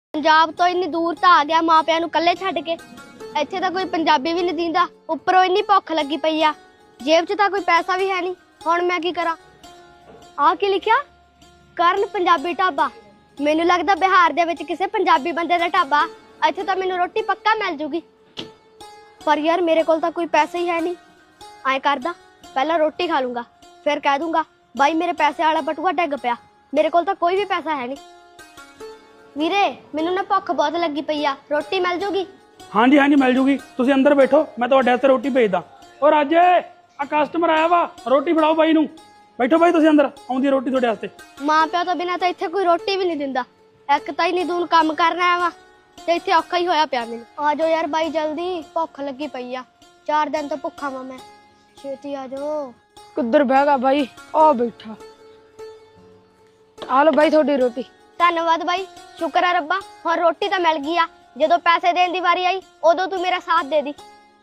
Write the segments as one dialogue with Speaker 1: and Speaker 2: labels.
Speaker 1: पंजाब तो इन्नी दूर तो आ गया माँ प्या नूं कल्ले छड्ड के। इत्थे तां कोई पंजाबी भी नहीं दींदा, उपरों इन्नी भुख लगी पई आ, जेब च तां कोई पैसा भी है नहीं। हुण मैं की करा? आ की लिखिया? करण पंजाबी ढाबा। मैनूं लगदा बिहार दे विच किसी पंजाबी बंदे दा ढाबा। इत्थे तां मैनूं रोटी पक्का मिल जूगी, पर यार मेरे कोल तां कोई पैसे ही है नहीं। ऐ करदा पहला रोटी खा लूंगा, फिर कह दूंगा भाई मेरे पैसे वाला बटुआ डिग पिया। मेरे कोल तां कोई भी पैसा है नहीं। ਵੀਰੇ ਮੈਨੂੰ ਨਾ ਭੁੱਖ ਬਹੁਤ ਲੱਗੀ ਪਈ ਆ, ਰੋਟੀ ਮਿਲ ਜੂਗੀ?
Speaker 2: ਹਾਂਜੀ ਹਾਂਜੀ ਮਿਲ ਜੂਗੀ, ਤੁਸੀਂ ਅੰਦਰ ਬੈਠੋ, ਮੈਂ ਤੁਹਾਡੇ ਵਾਸਤੇ ਰੋਟੀ ਭੇਜਦਾ। ਓ ਰਾਜੇ ਆ ਕਸਟਮਰ ਆਇਆ ਵਾ, ਰੋਟੀ ਫੜਾਓ ਬਾਈ ਨੂੰ। ਬੈਠੋ ਬਾਈ ਤੁਸੀਂ ਅੰਦਰ, ਆਉਂਦੀ ਰੋਟੀ ਤੁਹਾਡੇ ਵਾਸਤੇ।
Speaker 1: ਮਾਂ ਪਿਓ ਤੋਂ ਬਿਨਾਂ ਤਾਂ ਇੱਥੇ ਕੋਈ ਰੋਟੀ ਵੀ ਨਹੀਂ ਦਿੰਦਾ। ਇੱਕ ਤਾਂ ਹੀ ਨਹੀਂ ਦੂਨ ਕੰਮ ਕਰਨਾ ਵਾ ਤੇ ਇੱਥੇ ਔਖਾ ਹੀ ਹੋਇਆ ਪਿਆ ਮੈਨੂੰ। ਆ ਜਾਓ ਯਾਰ ਬਾਈ ਜਲਦੀ, ਭੁੱਖ ਲੱਗੀ ਪਈ ਆ, 4 ਦਿਨ ਤੋਂ ਭੁੱਖਾ ਵਾਂ ਮੈਂ, ਛੇਤੀ ਆ ਜਾਓ।
Speaker 3: ਕਿੱਧਰ ਬਹਿ ਗਿਆ ਬਾਈ? ਆ ਬੈਠਾ। ਆ ਲੋ ਬਾਈ ਤੁਹਾਡੀ ਰੋਟੀ।
Speaker 1: ਧੰਨਵਾਦ ਬਾਈ, ਸ਼ੁਕਰ ਆ ਰੱਬਾ, ਹੁਣ ਰੋਟੀ ਤਾਂ ਮਿਲ ਗਈ ਆ। ਜਦੋਂ ਪੈਸੇ ਦੇਣ ਦੀ ਵਾਰੀ ਆਈ ਉਦੋਂ ਤੂੰ ਮੇਰਾ ਸਾਥ ਦੇ ਦੀ।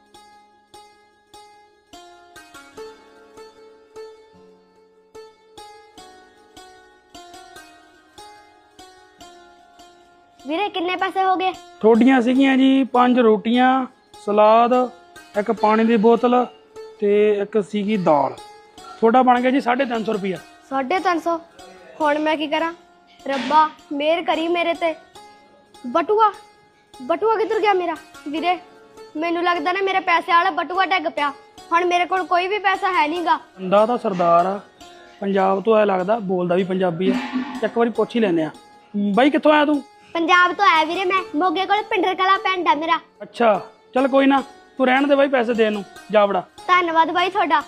Speaker 1: ਵੀਰੇ ਕਿੰਨੇ ਪੈਸੇ ਹੋ ਗਏ?
Speaker 2: ਤੁਹਾਡੀਆਂ ਸੀਗੀਆਂ ਜੀ 5 ਰੋਟੀਆਂ, ਸਲਾਦ, ਇੱਕ ਪਾਣੀ ਦੀ ਬੋਤਲ ਤੇ ਇੱਕ ਸੀਗੀ ਦਾਲ। ਤੁਹਾਡਾ ਬਣ ਗਿਆ ਜੀ 350 ਰੁਪਇਆ।
Speaker 1: 350? ਹੁਣ ਮੈਂ ਕੀ ਕਰਾਂ? ਰੱਬਾ ਮਿਹਰ ਕਰੀ ਮੇਰੇ ਤੇ। ਬਟੂਆ ਕਿੱਧਰ ਗਿਆ ਮੇਰਾ? ਵੀਰੇ ਮੈਨੂੰ ਲੱਗਦਾ ਨਾ ਮੇਰੇ ਪੈਸੇ ਵਾਲਾ ਬਟੂਆ ਡਿੱਗ ਪਿਆ। ਹੁਣ ਮੇਰੇ ਕੋਲ ਕੋਈ ਵੀ ਪੈਸਾ ਹੈ ਨਹੀਂਗਾ।
Speaker 2: ਬੰਦਾ ਤਾਂ ਸਰਦਾਰ ਆ, ਪੰਜਾਬ ਤੋਂ ਆਇਆ ਲੱਗਦਾ, ਬੋਲਦਾ ਵੀ ਪੰਜਾਬੀ ਆ। ਇੱਕ ਵਾਰੀ ਪੁੱਛ ਹੀ ਲੈਂਦੇ ਆ। ਬਾਈ ਕਿੱਥੋਂ ਆਇਆ ਤੂੰ?
Speaker 1: ਪੰਜਾਬ ਤੋਂ ਆਇਆ ਵੀਰੇ ਮੈਂ, ਮੋਗੇ ਕੋਲ ਪਿੰਡਰ ਕਲਾ ਪਿੰਡ ਆ ਮੇਰਾ।
Speaker 2: ਅੱਛਾ ਚੱਲ ਕੋਈ ਨਾ, ਤੂੰ ਰਹਿਣ ਦੇ ਬਾਈ, ਪੈਸੇ ਦੇਣ ਨੂੰ ਜਾ ਵੜਾ।
Speaker 1: ਧੰਨਵਾਦ ਬਾਈ ਤੁਹਾਡਾ।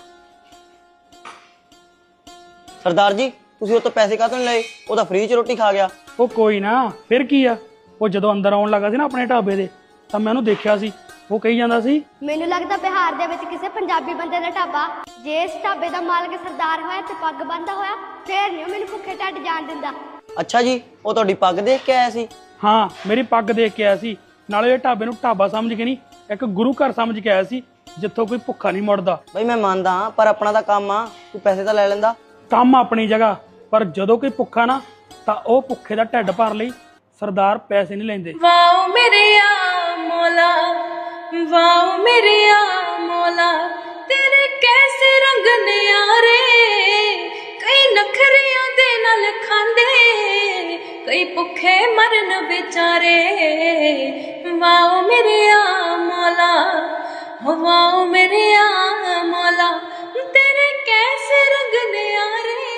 Speaker 4: सरदार जी ਤੁਸੀਂ ਉਹ ਤੋਂ ਪੈਸੇ ਕਾਹਤੋਂ ਨਹੀਂ ਲਏ? ਉਹ ਤਾਂ ਫ੍ਰੀ ਚ ਰੋਟੀ ਖਾ ਗਿਆ।
Speaker 2: ਉਹ ਕੋਈ ਨਾ, ਫਿਰ ਕੀ ਆ। ਉਹ ਜਦੋਂ ਅੰਦਰ ਆਉਣ ਲੱਗਾ ਸੀ ਨਾ ਆਪਣੇ ਢਾਬੇ ਦੇ, ਤਾਂ ਮੈਂ ਉਹਨੂੰ ਦੇਖਿਆ ਸੀ, ਉਹ ਕਹੀ ਜਾਂਦਾ ਸੀ
Speaker 1: ਮੈਨੂੰ ਲੱਗਦਾ ਬਿਹਾਰ ਦੇ ਵਿੱਚ ਕਿਸੇ ਪੰਜਾਬੀ ਬੰਦੇ ਦਾ ਢਾਬਾ। ਜੇ ਇਸ ਢਾਬੇ ਦਾ ਮਾਲਕ ਸਰਦਾਰ ਹੋਇਆ ਤੇ ਪੱਗ ਬੰਨ੍ਹਦਾ ਹੋਇਆ, ਫੇਰ ਨਹੀਂ ਮੈਨੂੰ ਭੁੱਖੇ ਢੱਡ ਜਾਣ ਦਿੰਦਾ।
Speaker 4: ਅੱਛਾ ਜੀ, ਉਹ ਤੁਹਾਡੀ ਪੱਗ ਦੇਖ ਕੇ ਆਇਆ ਸੀ?
Speaker 2: ਹਾਂ ਮੇਰੀ ਪੱਗ ਦੇਖ ਕੇ ਆਇਆ ਸੀ, ਨਾਲੇ ਇਹ ਢਾਬੇ ਨੂੰ ਢਾਬਾ ਸਮਝ ਕੇ ਨਹੀਂ, ਇੱਕ ਗੁਰੂ ਘਰ ਸਮਝ ਕੇ ਆਇਆ ਸੀ, ਜਿੱਥੋਂ ਕੋਈ ਭੁੱਖਾ ਨਹੀਂ ਮੁੜਦਾ।
Speaker 4: ਬਈ ਮੈਂ ਮੰਨਦਾ ਹਾਂ, ਪਰ ਆਪਣਾ ਤਾਂ ਕੰਮ ਆ, ਤੂੰ ਪੈਸੇ ਤਾਂ ਲੈ ਲੈਂਦਾ।
Speaker 2: ਕੰਮ ਆਪਣੀ ਜਗ੍ਹਾ, ਪਰ ਜਦੋਂ ਕੋਈ ਭੁੱਖਾ ਨਾ, ਤਾਂ ਉਹ ਭੁੱਖੇ ਦਾ ਢਿੱਡ ਭਰ ਲਈ ਸਰਦਾਰ ਪੈਸੇ ਨਹੀਂ ਲੈਂਦੇ।
Speaker 5: ਵਾਓ ਮੇਰੇ ਆ ਮੌਲਾ, ਵਾਓ ਮੇਰੇ ਆ ਮੌਲਾ, ਤੇਰੇ ਕੈਸੇ ਰੰਗ ਨਿਆਰੇ। ਕਈ ਨਖਰਿਆਂ ਦੇ ਨਾਲ ਖਾਂਦੇ, ਕਈ ਭੁੱਖੇ ਮਰਨ ਵਿਚਾਰੇ। ਵਾਓ ਮੇਰੇ ਆ ਮੌਲਾ, ਵਾਓ ਮੇਰੇ ਆ ਮੌਲਾ, ਤੇਰੇ ਕੈਸੇ ਰੰਗ ਨਿਆਰੇ।